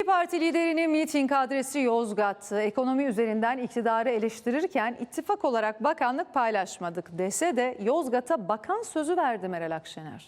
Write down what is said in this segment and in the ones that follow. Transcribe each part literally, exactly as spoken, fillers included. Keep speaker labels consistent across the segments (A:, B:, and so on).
A: Parti liderinin miting adresi Yozgat. Ekonomi üzerinden iktidarı eleştirirken ittifak olarak bakanlık paylaşmadık dese de Yozgat'a bakan sözü verdi Meral Akşener.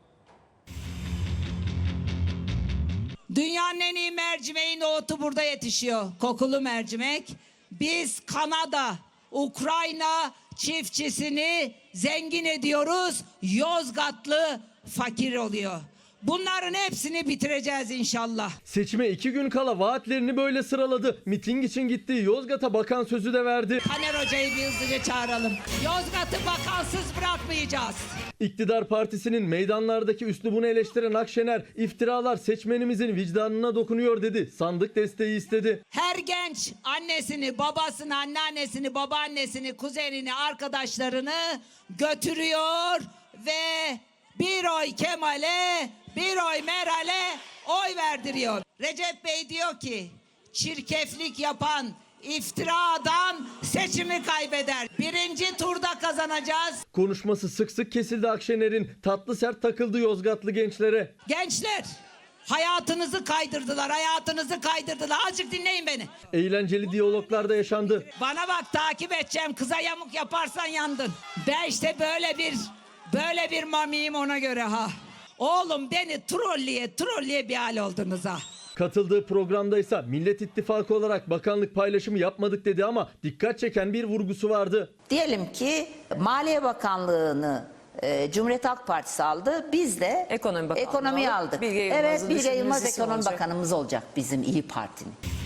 B: Dünyanın en iyi mercimeği nohutu burada yetişiyor. Kokulu mercimek. Biz Kanada, Ukrayna çiftçisini zengin ediyoruz. Yozgatlı fakir oluyor. Bunların hepsini bitireceğiz inşallah.
C: Seçime iki gün kala vaatlerini böyle sıraladı. Miting için gittiği Yozgat'a bakan sözü de verdi.
B: Taner Hoca'yı bir hızlıca çağıralım. Yozgat'ı bakansız bırakmayacağız.
C: İktidar partisinin meydanlardaki üslubunu eleştiren Akşener, iftiralar seçmenimizin vicdanına dokunuyor dedi. Sandık desteği istedi.
B: Her genç annesini, babasını, anneannesini, babaannesini, kuzenini, arkadaşlarını götürüyor ve bir oy Kemal'e, bir oy Meral'e oy verdiriyor. Recep Bey diyor ki, çirkeflik yapan, iftira adam seçimi kaybeder. Birinci turda kazanacağız.
C: Konuşması sık sık kesildi Akşener'in. Tatlı sert takıldı Yozgatlı gençlere.
B: Gençler, hayatınızı kaydırdılar, hayatınızı kaydırdılar. Azıcık dinleyin beni.
C: Eğlenceli diyaloglar da yaşandı.
B: Bana bak, takip edeceğim. Kıza yamuk yaparsan yandın. Ben işte böyle bir böyle bir mamiyim, ona göre ha. Oğlum, beni trolleye trolleye bir hal oldunuz ha.
C: Katıldığı programda ise Millet İttifakı olarak bakanlık paylaşımı yapmadık dedi ama dikkat çeken bir vurgusu vardı.
D: Diyelim ki Maliye Bakanlığı'nı e, Cumhuriyet Halk Partisi aldı. Biz de
E: Ekonomi Bakanlığı
D: ekonomiyi
E: aldık.
D: aldık.
E: Bilge Yılmaz'ı
D: Evet, Bilge
E: düşündüğünüz
D: Yılmaz
E: isim
D: ekonomi
E: olacak.
D: bakanımız olacak bizim İyi Parti'nin.